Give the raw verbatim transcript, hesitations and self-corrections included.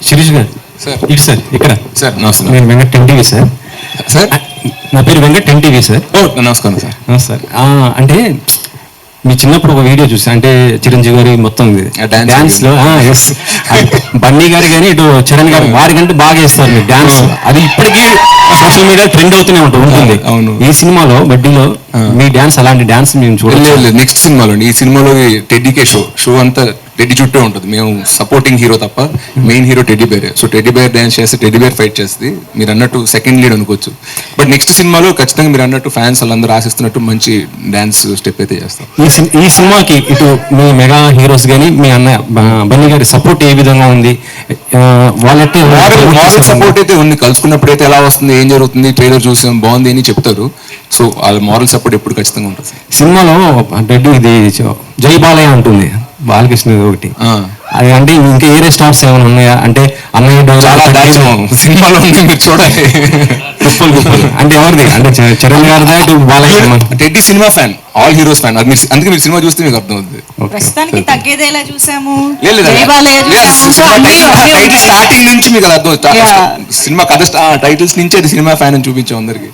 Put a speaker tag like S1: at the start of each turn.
S1: శిరీష్ గారు
S2: సార్
S1: ఇటు సార్ ఇక్కడ
S2: సార్ నమస్కారం
S1: నేను Venkat ten TV sir.
S2: Sir
S1: నా పేరు వెంకట్ టెన్ టీవీ సార్.
S2: ఓ నమస్కారం సార్.
S1: సార్ అంటే మీ చిన్నప్పుడు ఒక వీడియో చూసా, అంటే చిరంజీవి గారి మొత్తం డాన్స్ లో ఎస్ బన్నీ గారి కానీ ఇటు చరణ్ గారు వారి కంటే బాగా వేస్తారు మీరు డాన్స్. అది ఇప్పటికీ సోషల్ మీడియా ట్రెండ్ అవుతూనే ఉంటుంది.
S2: అవును.
S1: ఈ సినిమాలో బడ్డీలో మీ డాన్స్ అలాంటి డాన్స్ మేము చూడలేదు.
S2: నెక్స్ట్ సినిమాలో ఈ సినిమాలో టెడ్డీకే షో షో అంతా టెడ్డీ చుట్టూ ఉంటుంది. మేము సపోర్టింగ్ హీరో తప్ప main hero teddy bear. So teddy bear dance చేస్తే టెడ్డీ బేర్ ఫైట్ చేస్తుంది. మీరు అన్నట్టు సెకండ్ లీడ్ అనుకోవచ్చు. బట్ నెక్స్ట్ సినిమాలో ఖచ్చితంగా మీరు అన్నట్టు ఫ్యాన్స్ వాళ్ళందరూ ఆశిస్తున్నట్టు మంచి డాన్స్ స్టెప్ అయితే చేస్తాం.
S1: ఈ సిన్- ఈ సినిమాకి ఇటు మీ మెగా హీరోస్ కానీ మీ అన్నయ్య బ- బన్నీ గారి సపోర్ట్ ఏ విధంగా ఉంది? ఆ, వాళ్ళంటే
S2: మారల్ సపోర్ట్ అయితే ఉంది. కలుసుకున్నప్పుడు అయితే ఎలా వస్తుంది, ఏం జరుగుతుంది, ట్రైలర్ చూసాం బాగుంది అని చెప్తారు. సో వాళ్ళ మారల్ సపోర్ట్ ఎప్పుడు ఖచ్చితంగా ఉంటుంది.
S1: సినిమాలో రెడ్డి ఇది జై బాలయ్య ఉంటుంది, బాలకృష్ణ ఒకటి.
S2: ఆ.
S1: అది అంటే ఇంకా ఏరే స్టార్స్ ఏమైనా ఉన్నాయా? అంటే అన్నయ్య
S2: చాలా దాచం సినిమాలో ఉంది, మీరు చూడాలి.
S1: కుప్పలు కుప్పలు అంటే ఎవరిది? అంటే చ- చరణ్ గారిదా ఇటు బాలయ్య?
S2: టెడ్డీ సినిమా ఫ్యాన్, ఆల్ హీరోస్ ఫ్యాన్. అది మీరు అందుకే మీరు సినిమా చూస్తే మీకు అర్థం అవుతుంది.
S3: ప్రస్తుతానికి తగ్గేదేలా చూసాము,
S2: లేదు, లేదు.
S3: జయబాలయ్య
S2: లేదు,
S3: చూసాము. సో
S2: సినిమా
S3: అన్ని-
S2: టైటిల్-
S3: అన్ని
S2: టైటిల్
S3: ఉంటాయి.
S2: స్టార్టింగ్ నుంచి మీకు అది అర్థం అవుతుంది.
S3: Yeah.
S2: సినిమా కథ స్టా- టైటిల్స్ నుంచి అది సినిమా ఫ్యాన్ అని చూపించాం అందరికి.